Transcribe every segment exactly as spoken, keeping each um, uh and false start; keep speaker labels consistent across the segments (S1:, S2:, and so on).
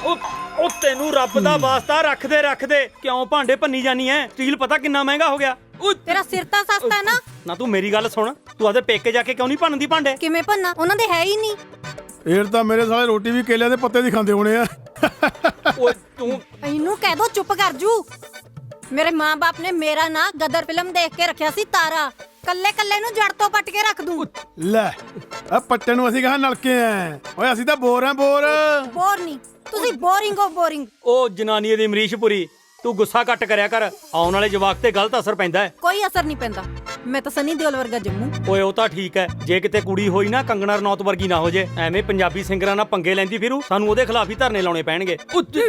S1: ਉਹ ਤੈਨੂੰ ਰੱਬ ਦਾ ਵਾਸਤਾ ਰੱਖਦੇ ਰੱਖਦੇ ਕਿਉਂ ਭਾਂਡੇ ਭੰਨੀ ਜਾਨੀ ਐ? ਸਟੀਲ ਪਤਾ ਕਿੰਨਾ ਮਹਿੰਗਾ ਹੋ ਗਿਆ।
S2: ਤੇਰਾ ਸਿਰ ਤਾਂ ਸਸਤਾ ਹੈ ਨਾ।
S1: ਨਾ ਤੂੰ ਮੇਰੀ ਗੱਲ ਸੁਣ, ਤੂੰ ਆਪਦੇ ਪੇਕੇ ਜਾ ਕੇ ਕਿਉਂ ਨਹੀਂ ਭੰਨਦੀ ਭਾਂਡੇ?
S2: ਕਿਵੇਂ ਭੰਨਾ? ਉਹਨਾਂ ਦੇ ਹੈ ਹੀ ਨਹੀਂ।
S3: ਫੇਰ ਤਾਂ ਮੇਰੇ ਸਾਲੇ ਰੋਟੀ ਵੀ ਕੇਲਿਆਂ ਦੇ ਪੱਤੇ ਦੀ ਖਾਂਦੇ ਹੋਣੇ ਆ।
S1: ਓਏ ਤੂੰ
S2: ਇਹਨੂੰ ਕਹਿ ਦੋ ਚੁੱਪ ਕਰ ਜੂ। ਮੇਰੇ ਮਾਂ-ਬਾਪ ਨੇ ਮੇਰਾ ਨਾਂ ਗਦਰ ਫਿਲਮ ਦੇਖ ਕੇ ਰੱਖਿਆ ਸੀ ਤਾਰਾ। ਕੱਲੇ ਕੱਲੇ ਨੂੰ ਜੜ ਤੋਂ ਪੱਟ ਕੇ ਰੱਖ ਦੂੰ।
S3: ਲੈ ਆ ਪੱਟੇ ਨੂੰ ਅਸੀਂ ਕਹਾਂ ਨਲਕੇ ਆ। ਓਏ ਅਸੀਂ ਤਾਂ ਬੋਰ ਆ ਬੋਰ।
S2: ਬੋਰ ਨਹੀਂ, ਤੁਸੀਂ ਬੋਰਿੰਗ ਹੋ ਬੋਰਿੰਗ।
S1: ਉਹ ਜਨਾਨੀ ਦੀ ਅਮਰੀਸ਼ਪੁਰੀ, ਤੂੰ ਗੁੱਸਾ ਘੱਟ ਕਰਿਆ ਕਰ। ਆਉਣ ਵਾਲੇ ਜਵਾਕ ਤੇ ਗਲਤ ਅਸਰ ਪੈਂਦਾ ਹੈ।
S2: ਕੋਈ ਅਸਰ ਨਹੀਂ ਪੈਂਦਾ। ਮੈਂ ਤਾਂ ਸਨੀ ਦਿਓਲ ਵਰਗਾ ਜੰਮੂ।
S1: ਓਏ ਉਹ ਤਾਂ ਠੀਕ ਹੈ, ਜੇ ਕਿਤੇ ਕੁੜੀ ਹੋਈ ਨਾ ਕੰਗਣਾ ਰਣੌਤ ਵਰਗੀ ਨਾ ਹੋ ਜੇ। ਐਵੇਂ ਪੰਜਾਬੀ ਸਿੰਗਰਾਂ ਨਾਲ ਪੰਗੇ ਲੈਂਦੀ ਫਿਰੂ, ਸਾਨੂੰ ਉਹਦੇ ਖਿਲਾਫ ਹੀ ਧਰਨੇ ਲਾਉਣੇ ਪੈਣਗੇ।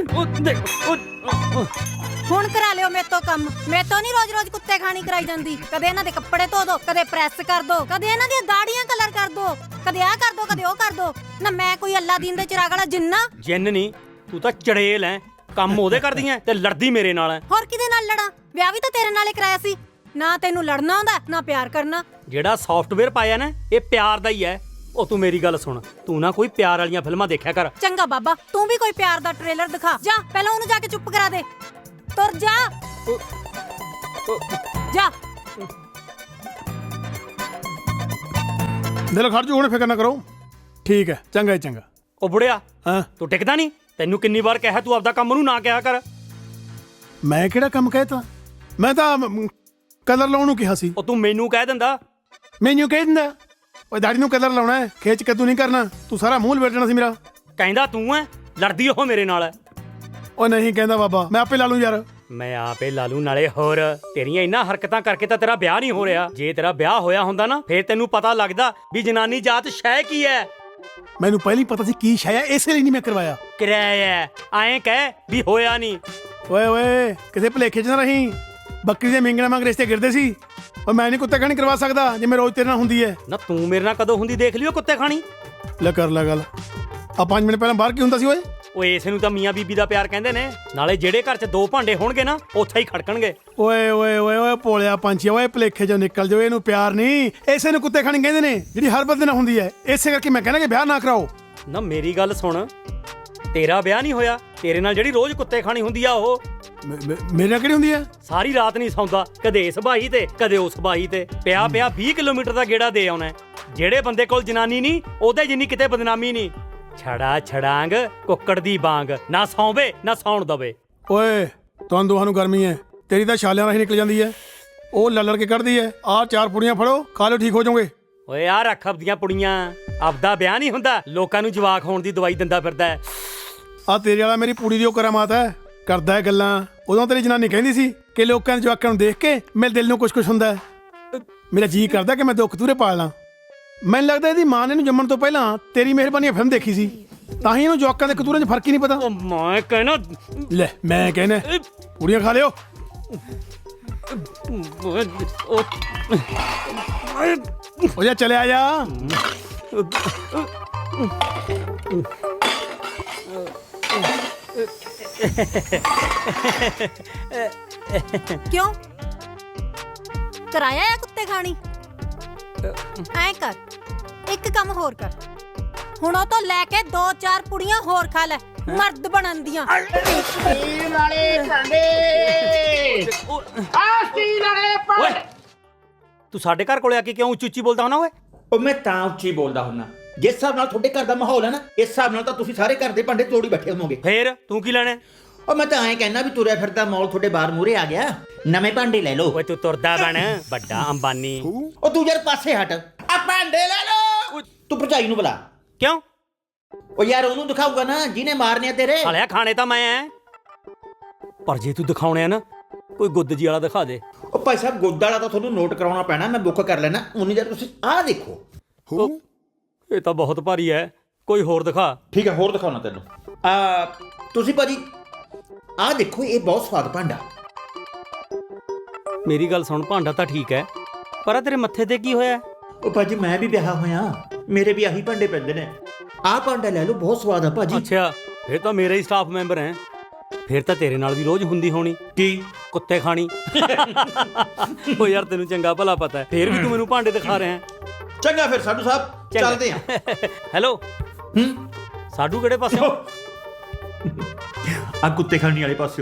S2: ਹੁਣ ਕਰਾ ਲਿਓ ਮੇਰੇ ਤੋਂ ਕੰਮ। ਮੇਰੇ ਤੋਂ ਨਹੀਂ ਰੋਜ਼-ਰੋਜ਼ ਕੁੱਤੇ ਖਾਣੀ ਕਰਾਈ ਜਾਂਦੀ। ਕਦੇ ਇਹਨਾਂ ਦੇ ਕੱਪੜੇ ਧੋ ਦੋ, ਕਦੇ ਪ੍ਰੈਸ ਕਰ ਦੋ, ਕਦੇ ਇਹਨਾਂ ਦੀਆਂ ਦਾੜੀਆਂ ਕਲਰ ਕਰ ਦੋ, ਕਦੇ ਆਹ ਕਰ ਦੋ, ਕਦੇ ਉਹ ਕਰ ਦੋ। ਨਾ ਮੈਂ ਕੋਈ ਅੱਲਾ ਦੀਨ ਦੇ ਚਿਰਾਗ ਵਾਲਾ ਜਿੰਨਾ?
S1: ਜਿੰਨ ਨਹੀਂ, ਤੂੰ ਤਾਂ ਚੜੇਲ ਐ। ਕੰਮ ਉਹਦੇ ਕਰਦੀ ਐ ਤੇ ਲੜਦੀ ਮੇਰੇ ਨਾਲ ਐ।
S2: ਹੋਰ ਕਿਹਦੇ ਨਾਲ ਲੜਾਂ? ਵਿਆਹ ਵੀ ਤਾਂ ਤੇਰੇ ਨਾਲ ਹੀ ਕਰਾਇਆ ਸੀ। ਨਾ ਤੈਨੂੰ ਲੜਨਾ ਆਉਂਦਾ, ਨਾ ਪਿਆਰ ਕਰਨਾ।
S1: ਜਿਹੜਾ ਸੌਫਟਵੇਅਰ ਪਾਇਆ ਨਾ, ਇਹ ਪਿਆਰ ਦਾ ਹੀ ਐ। ਉਹ ਤੂੰ ਮੇਰੀ ਗੱਲ ਸੁਣ, ਤੂੰ ਨਾ ਕੋਈ ਪਿਆਰ ਵਾਲੀਆਂ ਫਿਲਮਾਂ ਦੇਖਿਆ ਕਰ।
S2: ਚੰਗਾ ਬਾਬਾ, ਤੂੰ ਵੀ ਕੋਈ ਪਿਆਰ ਦਾ ਟ੍ਰੇਲਰ ਦਿਖਾ। ਜਾ ਪਹਿਲਾਂ ਉਹਨੂੰ ਜਾ ਕੇ ਚੁੱਪ ਕਰਾ ਦੇ। ਤੁਰ ਜਾ ਜਾ।
S3: ਦਿਲ ਖੜ ਜੂ, ਹੁਣ ਫਿਕਰ ਨਾ ਕਰੋ। ਠੀਕ ਹੈ, ਚੰਗਾ ਹੀ ਚੰਗਾ।
S1: ਉਹ ਬੁੜਿਆ,
S3: ਹਾਂ
S1: ਤੂੰ ਟਿਕਦਾ ਨਹੀਂ? ਤੈਨੂੰ ਕਿੰਨੀ ਵਾਰ ਕਿਹਾ ਤੂੰ ਆਪਦਾ ਕੰਮ ਨੂੰ ਨਾ ਕਿਹਾ ਕਰ।
S3: ਮੈਂ ਕਿਹੜਾ ਕੰਮ ਕਹਿਤਾ? ਮੈਂ ਤਾਂ ਕਲਰ ਲਾਉਣ ਨੂੰ ਕਿਹਾ ਸੀ।
S1: ਉਹ ਤੂੰ ਮੈਨੂੰ ਕਹਿ ਦਿੰਦਾ।
S3: ਮੈਨੂੰ ਕਹਿ ਦਿੰਦਾ ਓਏ ਦਾੜੀ ਨੂੰ ਕਲਰ ਲਾਉਣਾ ਹੈ, ਖੇਚ ਕੇ ਤੂੰ ਨਹੀਂ ਕਰਨਾ। ਤੂੰ ਸਾਰਾ ਮੂੰਹ ਲਪੇਟਣਾ ਸੀ ਮੇਰਾ।
S1: ਕਹਿੰਦਾ ਤੂੰ ਐ, ਲੜਦੀ ਉਹ ਮੇਰੇ ਨਾਲ।
S3: ਉਹ ਨਹੀਂ ਕਹਿੰਦਾ ਬਾਬਾ, ਮੈਂ ਆਪੇ ਲਾ ਲੂੰ ਯਾਰ।
S1: ਮੈਂ ਆਪੇ ਲਾ ਲੂ। ਨਾਲੇ ਹੋਰ ਤੇਰੀਆਂ ਇੰਨਾ ਹਰਕਤਾਂ ਕਰਕੇ ਤਾਂ ਤੇਰਾ ਵਿਆਹ ਨਹੀਂ ਹੋ ਰਿਹਾ। ਜੇ ਤੇਰਾ ਵਿਆਹ ਹੋਇਆ ਹੁੰਦਾ ਨਾ, ਫੇਰ ਤੈਨੂੰ ਪਤਾ ਲੱਗਦਾ ਵੀ ਜਨਾਨੀ ਜਾਤ ਸ਼ੈ ਕੀ ਐ।
S3: ਮੈਨੂੰ ਪਹਿਲਾਂ ਹੀ ਪਤਾ ਸੀ ਕੀ ਸ਼ੈ ਹੈ, ਇਸੇ ਲਈ ਨਹੀਂ ਮੈਂ ਕਰਵਾਇਆ।
S1: ਕਿਰਾਇਆ ਐਂ ਕਹਿ ਵੀ ਹੋਇਆ ਨਹੀਂ।
S3: ਓਏ ਓਏ ਕਿਸੇ ਭਲੇਖੇ 'ਚ ਨਾ ਰਹੀ। ਬੱਕਰੀ ਦੇ ਮਿੰਗਣਾ ਮੰਗ ਰਿਸ਼ਤੇ ਗਿਰਦੇ ਸੀ। ਓ ਮੈਂ ਨਹੀਂ ਕੁੱਤੇ ਖਾਣੀ ਕਰਵਾ ਸਕਦਾ ਜੇ ਮੈਂ ਰੋਜ਼ ਤੇਰੇ ਨਾਲ ਹੁੰਦੀ ਹੈ।
S1: ਨਾ ਤੂੰ ਮੇਰੇ ਨਾਲ ਕਦੋਂ ਹੁੰਦੀ ਦੇਖ ਲਿਓ ਕੁੱਤੇ ਖਾਣੀ।
S3: ਲੈ ਕਰ ਲੈ ਗੱਲ। ਆ ਪੰਜ ਮਿੰਟ ਪਹਿਲਾਂ ਬਾਹਰ ਕੀ ਹੁੰਦਾ ਸੀ ਓਏ?
S1: ਓਏ ਇਸੇ ਨੂੰ ਤਾਂ ਮੀਆਂ ਬੀਬੀ ਦਾ ਪਿਆਰ ਕਹਿੰਦੇ ਨੇ। ਨਾਲੇ ਜਿਹੜੇ ਘਰ 'ਚ ਦੋ ਭਾਂਡੇ ਹੋਣਗੇ ਨਾ, ਉੱਥੇ ਹੀ ਖੜਕਣਗੇ।
S3: ਓਏ ਓਏ ਓਏ ਓਏ ਭੋਲਿਆ ਪੰਛੀ, ਓਏ ਭਲੇਖੇ 'ਚੋਂ ਨਿਕਲ ਜਾਓ। ਇਹਨੂੰ ਪਿਆਰ ਨਹੀਂ, ਇਸੇ ਨੂੰ ਕੁੱਤੇ ਖਾਣੀ ਕਹਿੰਦੇ ਨੇ, ਜਿਹੜੀ ਹਰ ਬੰਦੇ ਨਾਲ ਹੁੰਦੀ ਹੈ। ਇਸੇ ਕਰਕੇ ਮੈਂ ਕਹਿੰਦਾ ਕਿ ਵਿਆਹ ਨਾ ਕਰਾਓ।
S1: ਨਾ ਮੇਰੀ ਗੱਲ ਸੁਣ, ਤੇਰਾ ਵਿਆਹ ਨਹੀਂ ਹੋਇਆ, ਤੇਰੇ ਨਾਲ ਜਿਹੜੀ ਰੋਜ਼ ਕੁੱਤੇ ਖਾਣੀ ਹੁੰਦੀ ਆ ਉਹ
S3: ਮੇਰੇ ਨਾਲ ਕਿਹੜੀ ਹੁੰਦੀ ਹੈ?
S1: ਸਾਰੀ ਰਾਤ ਨਹੀਂ ਸੌਂਦਾ, ਕਦੇ ਇਸ ਬਾਹੀ ਤੇ ਕਦੇ ਉਸ ਬਾਹੀ ਤੇ ਪਿਆ ਪਿਆ ਵੀਹ ਕਿਲੋਮੀਟਰ ਦਾ ਗੇੜਾ ਦੇ ਆਉਣਾ। ਜਿਹੜੇ ਬੰਦੇ ਕੋਲ ਜਨਾਨੀ ਨਹੀਂ, ਉਹਦੇ ਜਿੰਨੀ ਕਿਤੇ ਬਦਨਾਮੀ ਨਹੀਂ। ਛੜਾ ਛੜਾਂਗ ਕੁੱਕੜ ਦੀ ਬਾਂਗ, ਨਾ ਸੌਂਵੇ ਨਾ ਸੌਣ ਦਵੇ।
S3: ਓਏ ਤੁਹਾਨੂੰ ਦੋਹਾਂ ਨੂੰ ਗਰਮੀ ਹੈ, ਤੇਰੀ ਤਾਂ ਛਾਲਿਆਂ ਨਾਲ ਹੀ ਨਿਕਲ ਜਾਂਦੀ ਹੈ, ਉਹ ਲੜ ਲੜ ਕੇ ਕੱਢਦੀ ਹੈ। ਆਹ ਚਾਰ ਪੁੜੀਆਂ ਫੜੋ, ਖਾ ਲਿਓ, ਠੀਕ ਹੋ ਜਾਓਗੇ।
S1: ਓਏ ਆ ਰੱਖ ਆਪਦੀਆਂ ਪੁੜੀਆਂ। ਆਪਦਾ ਵਿਆਹ ਨਹੀਂ ਹੁੰਦਾ, ਲੋਕਾਂ ਨੂੰ ਜਵਾਕ ਹੋਣ ਦੀ ਦਵਾਈ ਦਿੰਦਾ ਫਿਰਦਾ।
S3: ਆ ਤੇਰੇ ਵਾਲਾ ਮੇਰੀ ਪੂੜੀ ਦੀ ਉਹ ਕਰਾਮਾਤ ਹੈ, ਕਰਦਾ ਹੈ ਗੱਲਾਂ। ਉਦੋਂ ਤੇਰੀ ਜਨਾਨੀ ਕਹਿੰਦੀ ਸੀ ਕਿ ਲੋਕਾਂ ਦੇ ਜਵਾਕਾਂ ਨੂੰ ਦੇਖ ਕੇ ਮੇਰੇ ਦਿਲ ਨੂੰ ਕੁਛ ਕੁਛ ਹੁੰਦਾ ਹੈ। ਮੇਰਾ ਜੀ ਕਰਦਾ ਕਿ ਮੈਂ ਦੁੱਖ ਤੂਰੇ ਪਾਲ ਲਾਂ। ਮੈਨੂੰ ਲੱਗਦਾ ਇਹਦੀ ਮਾਂ ਨੇ ਇਹਨੂੰ ਜੰਮਣ ਤੋਂ ਪਹਿਲਾਂ ਤੇਰੀ ਮਿਹਰਬਾਨੀ ਫਿਲਮ ਦੇਖੀ ਸੀ, ਤਾਂ ਹੀ ਇਹਨੂੰ ਜਵਾਕਾਂ ਦੇ ਕਤੂਰੇ 'ਚ ਫਰਕ ਹੀ ਨਹੀਂ ਪਤਾ।
S1: ਉਹ ਮੈਂ ਕਹਿਣਾ
S3: ਲੈ ਮੈਂ ਕਹਿਣਾ ਪੂੜੀਆਂ ਖਾ ਲਿਓ। ਉਹ ਜਾ ਚਲੇ ਆ ਜਾ।
S2: ਕਿਉਂ ਕਰਾਇਆ ਆ ਕੁੱਤੇ ਖਾਣੀ? ਐ ਕਰ, ਇੱਕ ਕੰਮ ਹੋਰ ਕਰ। ਹੁਣ ਉਹ ਤੋਂ ਲੈ ਕੇ ਦੋ ਚਾਰ ਪੁੜੀਆਂ ਹੋਰ ਖਾ ਲੈ, ਮਰਦ ਬਣਨ ਦੀਆਂ।
S4: ਸਟੀਲ ਵਾਲੇ ਭਾਂਡੇ, ਆ ਸਟੀਲ ਵਾਲੇ ਭਾਂਡੇ।
S1: ਤੂੰ ਸਾਡੇ ਘਰ ਕੋਲੇ ਆ ਕੇ ਕਿਉਂ ਉੱਚੀ ਉੱਚੀ ਬੋਲਦਾ ਹੁੰਨਾ ਓਏ?
S4: ਉਹ ਮੈਂ ਤਾਂ ਉੱਚੀ ਬੋਲਦਾ ਹੁੰਨਾ, ਜਿਸ ਹਿਸਾਬ ਨਾਲ ਤੁਹਾਡੇ ਘਰ ਦਾ ਮਾਹੌਲ ਹੈ ਨਾ, ਇਸ ਹਿਸਾਬ ਨਾਲ ਤਾਂ ਤੁਸੀਂ ਸਾਰੇ ਘਰ ਦੇ ਭਾਂਡੇ ਤੋੜੀ ਬੈਠੇ ਹੋਵੋਗੇ।
S1: ਫੇਰ ਤੂੰ ਕੀ ਲੈਣਾ?
S4: ਉਹ ਮੈਂ ਤਾਂ ਐਂ ਕਹਿਣਾ ਵੀ ਤੁਰਿਆ ਫਿਰਦਾ ਮੌਲ ਤੁਹਾਡੇ ਬਾਹਰ ਮੂਹਰੇ ਆ ਗਿਆ, ਨਵੇਂ ਭਾਂਡੇ ਲੈ ਲਓ।
S1: ਓਏ ਤੂੰ ਤੁਰਦਾ ਬਣ, ਵੱਡਾ ਅੰਬਾਨੀ।
S4: ਉਹ ਤੂੰ ਯਾਰ ਪਾਸੇ ਹਟ, ਆ ਭਾਂਡੇ ਲੈ ਲਓ। ਤੂੰ ਭਰਜਾਈ ਨੂੰ ਬੁਲਾ।
S1: ਕਿਉਂ?
S4: ਉਹ ਯਾਰ ਉਹਨੂੰ ਦਿਖਾਊਗਾ ਨਾ ਜਿਹਨੇ ਮਾਰਨੇ ਆ ਤੇਰੇ।
S1: ਸਾਲਿਆ ਖਾਣੇ ਤਾਂ ਮੈਂ ਐ, ਪਰ ਜੇ ਤੂੰ ਦਿਖਾਉਣੇ ਆ ਨਾ, ਕੋਈ ਗੁੱਦ ਜੀ ਵਾਲਾ ਦਿਖਾ ਦੇ।
S4: ਉਹ ਭਾਈ ਸਾਹਿਬ ਗੁੱਦ ਵਾਲਾ ਤਾਂ ਤੁਹਾਨੂੰ ਨੋਟ ਕਰਾਉਣਾ ਪੈਣਾ, ਮੈਂ ਬੁੱਕ ਕਰ ਲੈਣਾ। ਉਨੀ ਦੇਰ ਤੁਸੀਂ ਆਹ ਦੇਖੋ।
S1: ਇਹ ਤਾਂ ਬਹੁਤ ਭਾਰੀ ਐ, ਕੋਈ ਹੋਰ ਦਿਖਾ।
S4: ਠੀਕ ਹੈ, ਹੋਰ ਦਿਖਾਉਣਾ ਤੈਨੂੰ। ਆ ਤੁਸੀਂ ਭਾਜੀ ਆਹ ਦੇਖੋ, ਇਹ ਬਹੁਤ ਸਵਾਦ ਭਾਂਡਾ।
S1: ਮੇਰੀ ਗੱਲ ਸੁਣ, ਭਾਂਡਾ ਤਾਂ ਠੀਕ ਐ, ਪਰ ਆ ਤੇਰੇ ਮੱਥੇ ਤੇ ਕੀ ਹੋਇਆ?
S4: ਉਹ ਭਾਜੀ ਮੈਂ ਵੀ ਵਿਆਹ ਹੋਇਆ, ਮੇਰੇ ਵੀ ਆਹੀ ਭਾਂਡੇ ਪੈਂਦੇ ਨੇ। ਆਹ ਭਾਂਡਾ ਲੈ ਲਓ, ਬਹੁਤ ਸਵਾਦ ਆ ਭਾਜੀ।
S1: ਅੱਛਾ, ਫਿਰ ਤਾਂ ਮੇਰਾ ਹੀ ਸਟਾਫ ਮੈਂਬਰ ਹੈ। ਫਿਰ ਤਾਂ ਤੇਰੇ ਨਾਲ ਵੀ ਰੋਜ਼ ਹੁੰਦੀ ਹੋਣੀ।
S4: ਕੀ?
S1: ਕੁੱਤੇ ਖਾਣੀ। ਉਹ ਯਾਰ ਤੈਨੂੰ ਚੰਗਾ ਭਲਾ ਪਤਾ ਹੈ, ਫਿਰ ਵੀ ਤੂੰ ਮੈਨੂੰ ਭਾਂਡੇ ਦਿਖਾ ਰਿਹਾ ਹੈ।
S4: ਚੰਗਾ ਫਿਰ ਸਾਡੂ ਸਾਹਿਬ ਚੱਲਦੇ ਆ।
S1: ਹੈਲੋ।
S4: ਹੂੰ
S1: ਸਾਡੂ ਕਿਹੜੇ ਪਾਸੇ?
S4: ਆ ਕੁੱਤੇ ਖਾਣੀ ਵਾਲੇ ਪਾਸਿਓ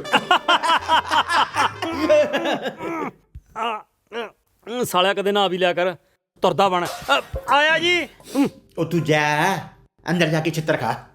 S1: ਅਮ, ਸਾਲਿਆ ਕਦੇ ਨਾ ਵੀ ਲਿਆ ਕਰ ਤੁਰਦਾ ਬਣ ਅ, ਆਇਆ ਜੀ ਹਮ,
S4: ਉਹ ਤੂੰ ਜਾ ਅੰਦਰ ਜਾ ਕੇ ਛਿੱਤਰ ਖਾ